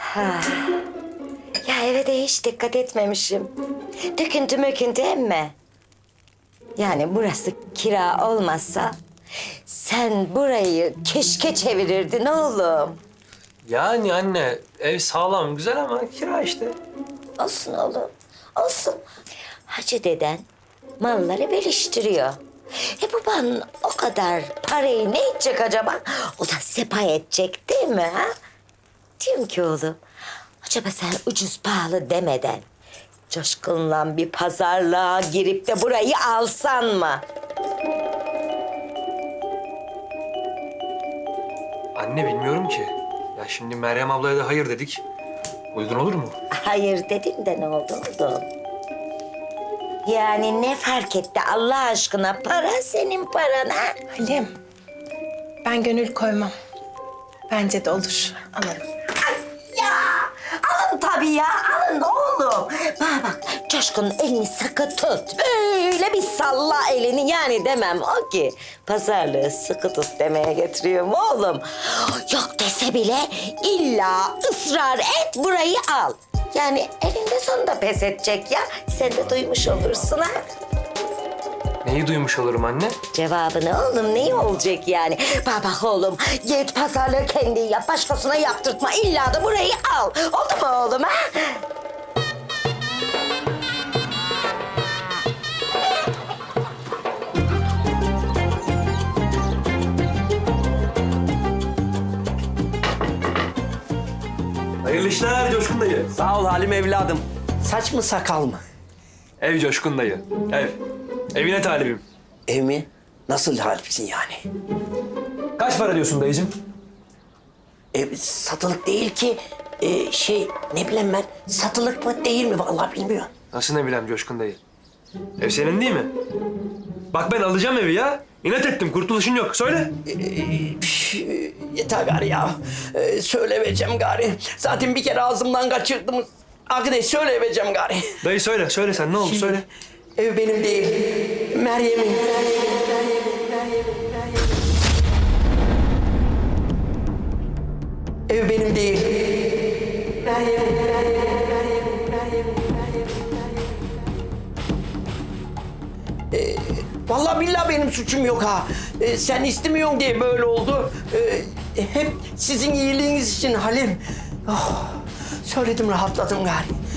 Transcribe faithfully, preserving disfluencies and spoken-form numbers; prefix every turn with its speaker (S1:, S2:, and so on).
S1: Ha. Ya eve de hiç dikkat etmemişim. Döküntü möküntü emme. Yani burası kira olmazsa sen burayı keşke çevirirdin oğlum.
S2: Yani anne ev sağlam güzel ama kira işte.
S1: Olsun oğlum, olsun. Hacı deden malları bölüştürüyor. E baban o kadar parayı ne edecek acaba? O da sepa edecek değil mi ha? Diyorum ki oğlum, acaba sen ucuz pahalı demeden Coşkun'la bir pazarlığa girip de burayı alsan mı?
S2: Anne bilmiyorum ki. Ya şimdi Meryem ablaya da hayır dedik. Uygun olur mu?
S1: Hayır dedin de ne oldu oğlum? Yani ne fark etti Allah aşkına? Para senin paran ha?
S3: Halim, ben gönül koymam. Bence de olur. Alalım.
S1: Ya alın tabii ya alın oğlum. Bana bak Coşkun'un elini sıkı tut. Böyle bir salla elini yani demem o ki. Pazarlığı sıkı tut demeye getiriyorum oğlum. Yok dese bile illa ısrar et burayı al. Yani elinde sonunda pes edecek ya. Sen de duymuş olursun ha.
S2: Neyi duymuş olurum anne?
S1: Cevabını oğlum neyi olacak yani? Bak bak oğlum git pazarlığı kendin yap başkasına yaptırtma illa da burayı al. Oldu mu oğlum ha?
S2: Hayırlı işler Coşkun dayı.
S4: Sağ ol Halim evladım. Saç mı sakal mı?
S2: Ev Coşkun dayı. Ev. Evine talibim.
S4: Ev mi? Nasıl halipsin yani?
S2: Kaç para diyorsun dayıcığım?
S4: Ev satılık değil ki. Ee, şey ne bileyim ben satılık mı değil mi vallahi bilmiyorum.
S2: Nasıl ne bileyim Coşkun dayı? Ev senin değil mi? Bak ben alacağım evi ya. İnat ettim kurtuluşun yok. Söyle.
S4: Ee, püf, yeter gari ya. Ee, söyleyeceğim gari. Zaten bir kere ağzımdan kaçırdım. Agnes söyleyeceğim gari.
S2: Dayı söyle. Söyle sen ne oldu söyle.
S4: Ev benim değil. Meryem'in. Ev benim değil. Ee, vallahi billahi benim suçum yok ha. Ee, sen istemiyorsun diye böyle oldu. Ee, hep sizin iyiliğiniz için Halim. Oh, söyledim rahatladım gari.